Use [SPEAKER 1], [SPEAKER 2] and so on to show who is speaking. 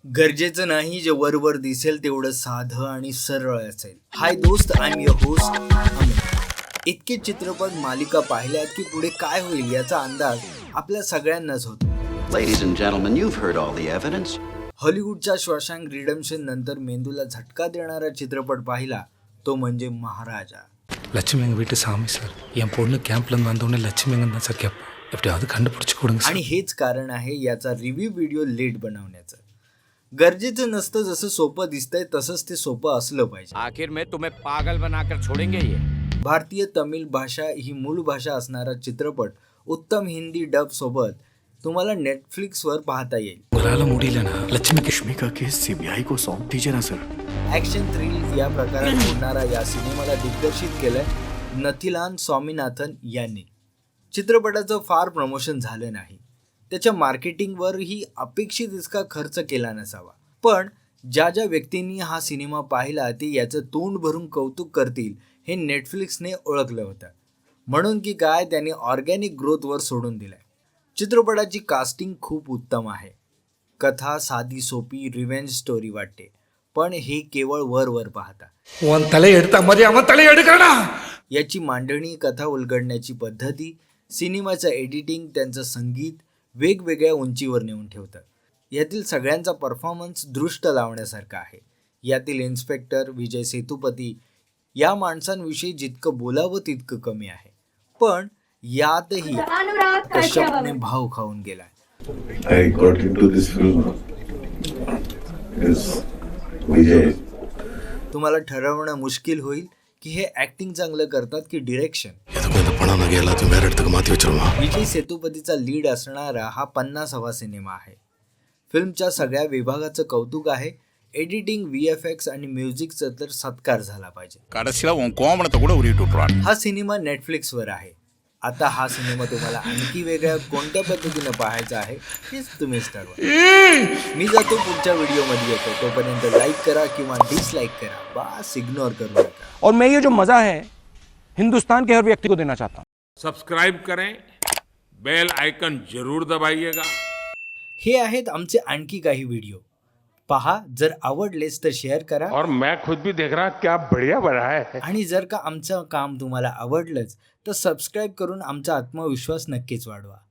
[SPEAKER 1] गरजेचं नाही जे वरवर दिसेल तेवढं साधं आणि सरळ असेल. हाय दोस्त, I am your host Amit. इतके चित्रपट मालिका पाहिल्यात की पुढे काय होईल याचा अंदाज आपल्या सगळ्यांनाच होतो.
[SPEAKER 2] Ladies and gentlemen, you've heard all the evidence.
[SPEAKER 1] हॉलिवूडच्या शॉशँक रिडेम्पशन नंतर मेंदूला झटका देणारा चित्रपट पाहिला तो म्हणजे महाराजा.
[SPEAKER 3] லட்சுமி எங்கள் வீட்டு சாமி சார். என் பொண்ணு கேம்ப்லேருந்து வந்தோடனே லட்சுமி எங்கன்னு தான் சார் கேட்பேன். எப்படியாவது கண்டுபிடிச்சி கொடுங்க சார்.
[SPEAKER 1] आणि हेच कारण आहे याचा रिव्ह्यू व्हिडिओ लेट बनवण्याचं. गरजेचं नसतं, जसं सोपं दिसतंय तसंच ते सोपं असलं पाहिजे.
[SPEAKER 4] आखिर में तुम्हें पागल बनाकर छोड़ेंगे ये.
[SPEAKER 1] भारतीय तमिळ भाषा ही मूळ भाषा असणारा चित्रपट उत्तम हिंदी डब सोबत तुम्हाला नेटफ्लिक्सवर पाहता येईल.
[SPEAKER 3] உங்களால் முடியலனா லட்சுமி
[SPEAKER 5] लक्ष्मी का केस सीबीआई को सौंप दीजिए ना सर.
[SPEAKER 1] ॲक्शन थ्रिल या प्रकारात होणारा या सिनेमाला दिग्दर्शित केलंय नथिलान स्वामीनाथन यांनी. चित्रपटाचं फार प्रमोशन झालं नाही, त्याच्या मार्केटिंगवरही अपेक्षित इतका खर्च केला नसावा. पण ज्या ज्या व्यक्तींनी हा सिनेमा पाहिला ते याचं तोंड भरून कौतुक करतील हे नेटफ्लिक्सने ओळखलं होतं. म्हणून की काय, त्यांनी ऑर्गॅनिक ग्रोथवर सोडून दिलंय. चित्रपटाची कास्टिंग खूप उत्तम आहे. कथा साधी सोपी रिव्हेंज स्टोरी वाटते, पण हे केवळ वर पाहता.
[SPEAKER 3] உன் தலையை எடுத்த மாதிரி அவன் தலையை எடுக்கறடா.
[SPEAKER 1] याची मांडणी, कथा उलगडण्याची पद्धती, सिनेमाचं एडिटिंग, त्यांचं संगीत वेगवेगळ्या उंचीवर नेऊन ठेवतं. यातील सगळ्यांचा परफॉर्मन्स दृष्ट लावण्यासारखा आहे. यातील इन्स्पेक्टर विजय सेतुपती या माणसांविषयी जितकं बोलावं तितकं कमी आहे. पण यातही कश्यपने भाव खाऊन गेलाय.
[SPEAKER 6] I got into this film is Vijay.
[SPEAKER 1] तुम्हाला ठरवणं मुश्किल होईल की हे ॲक्टिंग चांगलं करतात की डिरेक्शन. विजय सेतुपतीचा लीड असणारा हा 50वा सिनेमा आहे. फिल्मच्या सगळ्या विभागाचं कौतुक आहे. एडिटिंग, VFX आणि म्युझिकचा तर सत्कार झाला पाहिजे. हा सिनेमा नेटफ्लिक्सवर आहे. आता हा सिनेमा तुम्हाला आणखी वेगळ्या कोणत्या पद्धतीनं पाहायचा आहे हेच तुम्हीच ठरवा. मी जातो पुढच्या व्हिडिओमध्ये येतो. तोपर्यंत लाईक करा किंवा डिसलाईक करा, बस इग्नोर करू नका.
[SPEAKER 7] और मैं ये जो मजा है हिंदुस्तान के हर व्यक्ति को देना चाहता हूँ.
[SPEAKER 8] सब्सक्राइब करें, बेल आइकन जरूर दबाइएगा.
[SPEAKER 1] हे आहेत आमचे आणखी काही व्हिडिओ पहा. जर आवडलेच तर शेअर करा.
[SPEAKER 8] और मैं खुद भी देख रहा क्या बढ़िया बना है.
[SPEAKER 1] आणि जर का आमचं काम तुम्हाला आवडलंच तर सबस्क्राईब करून आमचा आत्मविश्वास नक्कीच वाढवा.